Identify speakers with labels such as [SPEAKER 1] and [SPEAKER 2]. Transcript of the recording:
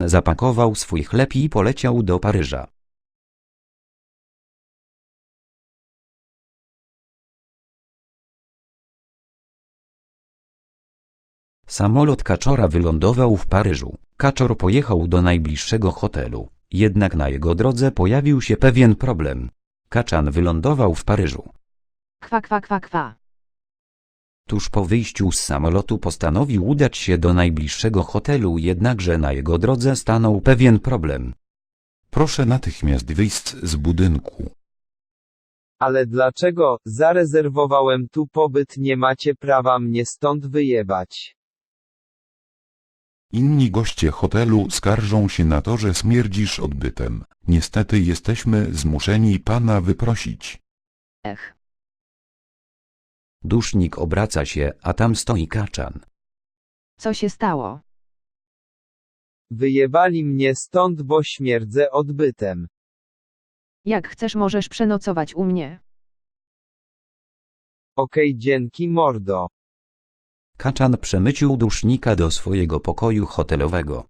[SPEAKER 1] Kaczan zapakował swój chleb i poleciał do Paryża. Samolot Kaczora wylądował w Paryżu. Kaczor pojechał do najbliższego hotelu, jednak na jego drodze pojawił się pewien problem. Kaczan wylądował w Paryżu.
[SPEAKER 2] Kwa, kwa, kwa, kwa.
[SPEAKER 1] Tuż po wyjściu z samolotu postanowił udać się do najbliższego hotelu, jednakże na jego drodze stanął pewien problem.
[SPEAKER 3] Proszę natychmiast wyjść z budynku.
[SPEAKER 4] Ale dlaczego? Zarezerwowałem tu pobyt, nie macie prawa mnie stąd wyjebać.
[SPEAKER 3] Inni goście hotelu skarżą się na to, że śmierdzisz odbytem. Niestety jesteśmy zmuszeni pana wyprosić.
[SPEAKER 2] Ech.
[SPEAKER 1] Dusznik obraca się, a tam stoi Kaczan.
[SPEAKER 2] Co się stało?
[SPEAKER 4] Wyjebali mnie stąd, bo śmierdzę odbytem.
[SPEAKER 2] Jak chcesz, możesz przenocować u mnie.
[SPEAKER 4] Okej, dzięki mordo.
[SPEAKER 1] Kaczan przemycił Dusznika do swojego pokoju hotelowego.